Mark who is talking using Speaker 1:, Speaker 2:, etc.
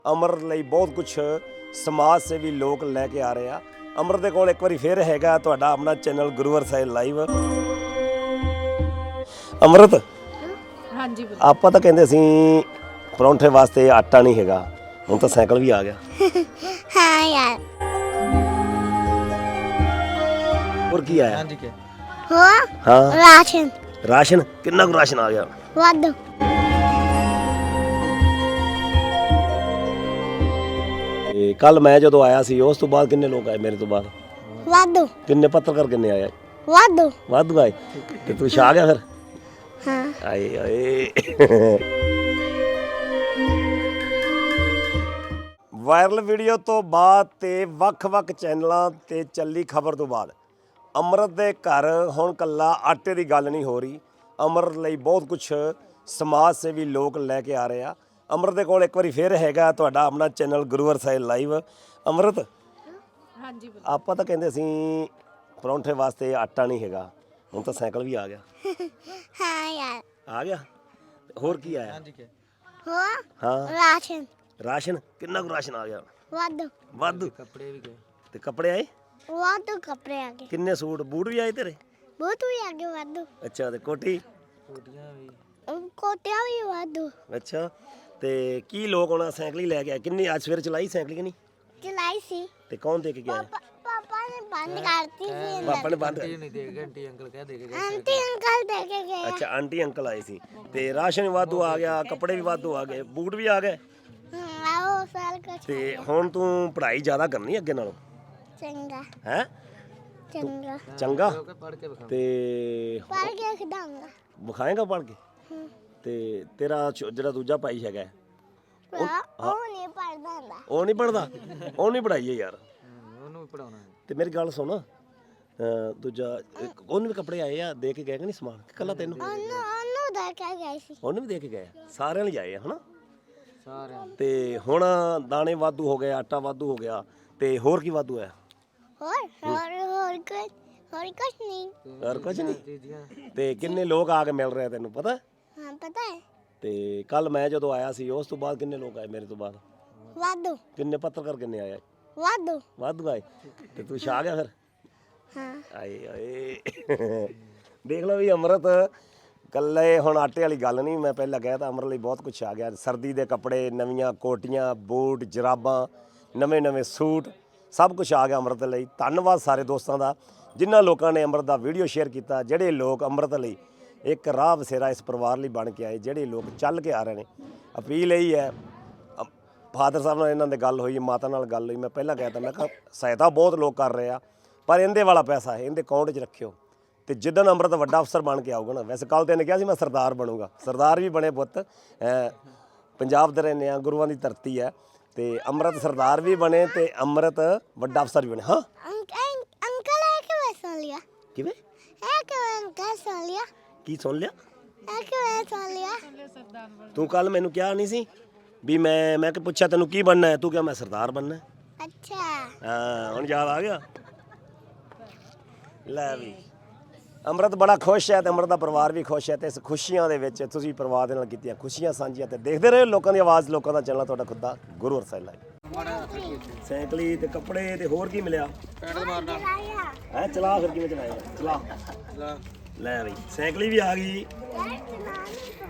Speaker 1: ਅਮਰ ਲਈ ਬਹੁਤ ਕੁਝ ਸਮਾਜ ਸੇਵੀ ਲੋਕ ਲੈ ਕੇ ਆ ਰਹੇ ਆ। ਅਮਰ ਦੇ ਕੋਲ ਇੱਕ ਵਾਰੀ ਫੇਰ ਹੈਗਾ ਤੁਹਾਡਾ ਆਪਣਾ ਚੈਨਲ ਗੁਰੂਵਰ ਸਾਹਿਬ ਲਾਈਵ। ਅਮਰਤ
Speaker 2: ਹਾਂਜੀ
Speaker 1: ਆਪਾਂ ਤਾਂ ਕਹਿੰਦੇ ਸੀ ਪਰੌਂਠੇ ਵਾਸਤੇ ਆਟਾ ਨਹੀਂ ਹੈਗਾ, ਹੁਣ ਤਾਂ ਸਾਈਕਲ ਵੀ ਆ ਗਿਆ।
Speaker 3: ਹਾਂ ਯਾਰ
Speaker 1: ਹੋਰ ਕੀ ਆਇਆ?
Speaker 3: ਹੋ
Speaker 1: ਹਾਂ
Speaker 3: ਰਾਸ਼ਨ
Speaker 1: ਰਾਸ਼ਨ ਕਿੰਨਾ ਕੁ ਰਾਸ਼ਨ ਆ ਗਿਆ?
Speaker 3: ਵਾਧੂ
Speaker 1: ਤੇ ਕੱਲ ਮੈਂ ਜਦੋਂ ਆਇਆ ਸੀ ਉਸ ਤੋਂ ਬਾਅਦ ਕਿੰਨੇ ਲੋਕ ਆਏ ਮੇਰੇ ਤੋਂ ਬਾਅਦ?
Speaker 3: ਵਾਧੂ
Speaker 1: ਕਿੰਨੇ ਪੱਤਰਕਾਰ ਕਿੰਨੇ ਆਏ?
Speaker 3: ਵਾਧੂ
Speaker 1: ਵਾਧੂ ਆਏ। ਤੇ ਤੂੰ ਛਾ ਗਿਆ ਫਿਰ?
Speaker 3: ਹਾਂ
Speaker 1: ਆਏ ਆਏ। ਵਾਇਰਲ ਵੀਡੀਓ ਤੋਂ ਬਾਅਦ ਤੇ ਵੱਖ-ਵੱਖ ਚੈਨਲਾਂ ਤੇ ਚੱਲੀ ਖਬਰ ਤੋਂ ਬਾਅਦ ਅਮਰਤ ਦੇ ਘਰ ਹੁਣ ਕੱਲਾ ਆਟੇ ਦੀ ਗੱਲ ਨਹੀਂ ਹੋ ਰਹੀ। ਅਮਰ ਲਈ ਬਹੁਤ ਕੁਝ ਸਮਾਜ ਸੇਵੀ ਲੋਕ ਲੈ ਕੇ ਆ ਰਹੇ ਆ। ਅਮਰਤ ਦੇ ਕੋਲ ਇੱਕ ਵਾਰੀ ਫੇਰ ਹੈਗਾ ਤੁਹਾਡਾ ਆਪਣਾ ਚੈਨਲ ਗੁਰੂਵਰ ਸਾਹਿਬ ਲਾਈਵ। ਅਮਰਤ
Speaker 2: ਹਾਂਜੀ
Speaker 1: ਆਪਾਂ ਤਾਂ ਕਹਿੰਦੇ ਸੀ ਪਰੌਂਠੇ ਵਾਸਤੇ ਆਟਾ ਨਹੀਂ ਹੈਗਾ, ਹੁਣ ਤਾਂ ਸਾਈਕਲ ਵੀ ਆ ਗਿਆ।
Speaker 3: ਹਾਂ ਯਾਰ
Speaker 1: ਆ ਗਿਆ। ਹੋਰ ਕੀ ਆਇਆ?
Speaker 3: ਹੋ
Speaker 1: ਹਾਂ
Speaker 3: ਰਾਸ਼ਨ
Speaker 1: ਰਾਸ਼ਨ ਕਿੰਨਾ ਕੁ ਰਾਸ਼ਨ ਆ ਗਿਆ?
Speaker 3: ਵਾਧੂ
Speaker 1: ਵਾਧੂ। ਕੱਪੜੇ ਵੀ ਗਏ ਤੇ ਕੱਪੜੇ ਆਏ?
Speaker 3: ਵਾਧੂ ਕੱਪੜੇ ਆ ਗਏ,
Speaker 1: ਕਿੰਨੇ ਸੂਟ ਬੂਟ ਵੀ ਆਏ ਤੇਰੇ?
Speaker 3: ਬਹੁਤ ਵੀ ਆ ਗਏ ਵਾਧੂ,
Speaker 1: ਅੱਛਾ ਤੇ ਕੋਟੀ?
Speaker 3: ਕੋਟਿਆਂ ਵੀ ਵਾਧੂ।
Speaker 1: ਅੱਛਾ ਤੇ ਕੀ ਲੋਕ ਹੁਣ ਸਾਈਕਲ ਹੀ ਲੈ ਕੇ ਆਏ? ਕਿੰਨੀ ਅੱਜ ਸਵੇਰ ਚਲਾਈ ਸਾਈਕਲ ਕਿ ਨਹੀਂ?
Speaker 3: ਚਲਾਈ ਸੀ,
Speaker 1: ਤੇ ਕੌਣ ਦੇ ਕੇ ਗਿਆ?
Speaker 3: ਪਾਪਾ ਨੇ ਬੰਦ ਕਰਤੀ ਸੀ।
Speaker 1: ਪਾਪਾ ਨੇ ਬੰਦ
Speaker 3: ਆਂਟੀ ਅੰਕਲ ਦੇ ਕੇ ਗਏ।
Speaker 1: ਅੱਛਾ ਆਂਟੀ ਅੰਕਲ ਆਏ ਸੀ ਤੇ ਰਾਸ਼ਨ ਵੀ ਵਾਧੂ ਆ ਗਿਆ, ਕੱਪੜੇ ਵੀ ਵਾਧੂ ਆ ਗਏ, ਬੂਟ ਵੀ ਆ ਗਏ।
Speaker 3: ਆਓ ਸਾਲ ਕੁਛ
Speaker 1: ਤੇ ਹੁਣ ਤੂੰ ਪੜ੍ਹਾਈ ਜ਼ਿਆਦਾ ਕਰਨੀ ਅੱਗੇ ਨਾਲੋਂ?
Speaker 3: ਚੰਗਾ
Speaker 1: ਹੈ
Speaker 3: ਚੰਗਾ
Speaker 1: ਚੰਗਾ ਤੇ
Speaker 3: ਪੜ ਕੇ ਖਿਡਾਉਂਗਾ।
Speaker 1: ਵਿਖਾਏਗਾ ਪੜ੍ਹ ਕੇ? ਤੇ ਤੇਰਾ ਜਿਹੜਾ ਦੂਜਾ ਭਾਈ ਹੈਗਾ
Speaker 3: ਉਹ ਨਹੀਂ ਪੜਦਾ ਹੁੰਦਾ,
Speaker 1: ਉਹ ਨਹੀਂ ਪੜਦਾ? ਉਹ ਨਹੀਂ ਪੜਾਈਏ ਯਾਰ,
Speaker 4: ਉਹਨੂੰ ਵੀ ਪੜਾਉਣਾ।
Speaker 1: ਤੇ ਮੇਰੀ ਗੱਲ ਸੁਣ, ਦੂਜਾ ਉਹਨੂੰ ਵੀ ਕੱਪੜੇ ਆਏ ਆ, ਦੇ ਕੇ ਗਏ ਕਿ ਨਹੀਂ ਸਮਾਨ? ਕੱਲਾ ਤੈਨੂੰ?
Speaker 3: ਉਹਨੂੰ ਦੇ ਕੇ ਗਏ ਸੀ।
Speaker 1: ਉਹਨੂੰ ਵੀ ਦੇ ਕੇ ਗਏ? ਸਾਰਿਆਂ ਲਈ ਆਏ ਆ ਹਨਾ?
Speaker 4: ਸਾਰਿਆਂ
Speaker 1: ਤੇ ਹੁਣ ਦਾਣੇ ਵਾਧੂ ਹੋ ਗਏ, ਆਟਾ ਵਾਧੂ ਹੋ ਗਿਆ, ਤੇ ਹੋਰ ਕੀ ਵਾਧੂ ਹੈ?
Speaker 3: ਹੋਰ ਕੁਛ ਨਹੀਂ।
Speaker 1: ਹੋਰ ਕੁਝ ਨਹੀਂ। ਤੇ ਕਿੰਨੇ ਲੋਕ ਆ ਕੇ ਮਿਲ ਰਹੇ ਤੈਨੂੰ ਪਤਾ?
Speaker 3: ਹਾਂ ਪਤਾ ਹੈ,
Speaker 1: ਤੇ ਕੱਲ ਮੈਂ ਜਦੋਂ ਆਇਆ ਸੀ ਉਸ ਤੋਂ ਬਾਅਦ ਕਿੰਨੇ ਲੋਕ ਆਏ ਮੇਰੇ ਤੋਂ ਬਾਅਦ?
Speaker 3: ਵਾਧੂ
Speaker 1: ਕਿੰਨੇ ਪੱਤਰਕਾਰ ਕਿੰਨੇ ਆਏ?
Speaker 3: ਵਾਧੂ।
Speaker 1: ਵਾਧੂ ਆਏ। ਤੇ ਤੂੰ ਛਾ ਗਿਆ ਫਿਰ?
Speaker 3: ਹਾਂ
Speaker 1: ਆਏ ਆਏ। ਦੇਖ ਲਓ ਵੀ ਅਮਰਤ ਕੱਲੇ ਹੁਣ ਆਟੇ ਵਾਲੀ ਗੱਲ ਨਹੀਂ, ਮੈਂ ਪਹਿਲਾਂ ਕਹਿ ਤਾ ਅਮਰ ਲਈ ਬਹੁਤ ਕੁਝ ਆ ਗਿਆ। ਸਰਦੀ ਦੇ ਕੱਪੜੇ, ਨਵੀਆਂ ਕੋਟੀਆਂ, ਬੂਟ, ਜਰਾਬਾਂ, ਨਵੇਂ ਸੂਟ, ਸਭ ਕੁਝ ਆ ਗਿਆ ਅਮਰਤ ਲਈ। ਧੰਨਵਾਦ ਸਾਰੇ ਦੋਸਤਾਂ ਦਾ ਜਿਨ੍ਹਾਂ ਲੋਕਾਂ ਨੇ ਅਮਰਤ ਦਾ ਵੀਡੀਓ ਸ਼ੇਅਰ ਕੀਤਾ, ਜਿਹੜੇ ਲੋਕ ਅਮਰਤ ਲਈ ਇੱਕ ਰਾਹ ਬਸੇਰਾ ਇਸ ਪਰਿਵਾਰ ਲਈ ਬਣ ਕੇ ਆਏ, ਜਿਹੜੇ ਲੋਕ ਚੱਲ ਕੇ ਆ ਰਹੇ ਨੇ। ਅਪੀਲ ਇਹੀ ਹੈ, ਫਾਦਰ ਸਾਹਿਬ ਨਾਲ ਇਹਨਾਂ ਦੇ ਗੱਲ ਹੋਈ, ਮਾਤਾ ਨਾਲ ਗੱਲ ਹੋਈ, ਮੈਂ ਪਹਿਲਾਂ ਕਹਿ ਤਾ, ਮੈਂ ਕਿਹਾ ਸਹਾਇਤਾ ਬਹੁਤ ਲੋਕ ਕਰ ਰਹੇ ਆ, ਪਰ ਇਹਦੇ ਵਾਲਾ ਪੈਸਾ ਹੈ ਇਹਦੇ ਅਕਾਊਂਟ 'ਚ ਰੱਖਿਓ। ਤੇ ਜਿੱਦਣ ਅਮਰਤ ਵੱਡਾ ਅਫਸਰ ਬਣ ਕੇ ਆਊਗਾ ਨਾ, ਵੈਸੇ ਕੱਲ ਤੇ ਇਹਨੇ ਕਿਹਾ ਸੀ ਮੈਂ ਸਰਦਾਰ ਬਣੂੰਗਾ, ਸਰਦਾਰ ਵੀ ਬਣੇ ਪੁੱਤ। ਪੰਜਾਬ ਦੇ ਰਹਿੰਦੇ ਆ, ਗੁਰੂਆਂ ਦੀ ਧਰਤੀ ਹੈ, ਤੇ ਅਮਰਤ ਸਰਦਾਰ ਵੀ ਬਣੇ ਤੇ ਅਮਰਤ ਵੱਡਾ ਅਫਸਰ ਵੀ ਬਣੇ। ਹਾਂ
Speaker 3: ਅੰਕਲ ਹੈ ਕਿਵੇਂ ਸੁਣ ਲਿਆ?
Speaker 1: ਕਿਵੇਂ?
Speaker 3: ਹੈ ਕਿਵੇਂ ਅੰਕਲ ਸੁਣ ਲਿਆ?
Speaker 1: ਕੀ ਸੁਣ ਲਿਆ?
Speaker 3: ਹੈ ਕਿਵੇਂ ਸੁਣ ਲਿਆ?
Speaker 1: ਤੂੰ ਕੱਲ ਮੈਨੂੰ ਕਿਹਾ ਨਹੀਂ ਸੀ ਵੀ ਮੈਂ ਕਿ ਪੁੱਛਿਆ ਤੈਨੂੰ ਕੀ ਬਣਨਾ ਹੈ, ਤੂੰ ਕਿਹਾ ਮੈਂ ਸਰਦਾਰ ਬਣਨਾ ਹੈ।
Speaker 3: ਅੱਛਾ
Speaker 1: ਹਾਂ ਹੁਣ ਯਾਦ ਆ ਗਿਆ। ਲੈ ਵੀ ਅਮਰਤ ਬੜਾ ਖੁਸ਼ ਹੈ ਤੇ ਅਮਰਤ ਦਾ ਪਰਿਵਾਰ ਵੀ ਖੁਸ਼ ਹੈ, ਤੇ ਇਸ ਖੁਸ਼ੀਆਂ ਦੇ ਵਿੱਚ ਤੁਸੀਂ ਪਰਿਵਾਰ ਦੇ ਨਾਲ ਕੀਤੀਆਂ ਖੁਸ਼ੀਆਂ ਸਾਂਝੀਆਂ। ਤੇ ਦੇਖਦੇ ਰਹੋ ਲੋਕਾਂ ਦੀ ਆਵਾਜ਼, ਲੋਕਾਂ ਦਾ ਚੈਨਲ ਤੁਹਾਡਾ ਖੁਦ ਦਾ ਗੁਰੂਵਰ ਸਾਹਿਬ ਲਾਈਵ। ਸਾਈਕਲੀ ਤੇ ਕੱਪੜੇ ਤੇ ਹੋਰ ਕੀ ਮਿਲਿਆ? ਹੈ ਚਲਾ ਫਿਰ ਕਿਵੇਂ ਚਲਾਏਗਾ? ਚਲਾ ਲੈ ਬਈ ਸਾਈਕਲੀ ਵੀ ਆ ਗਈ।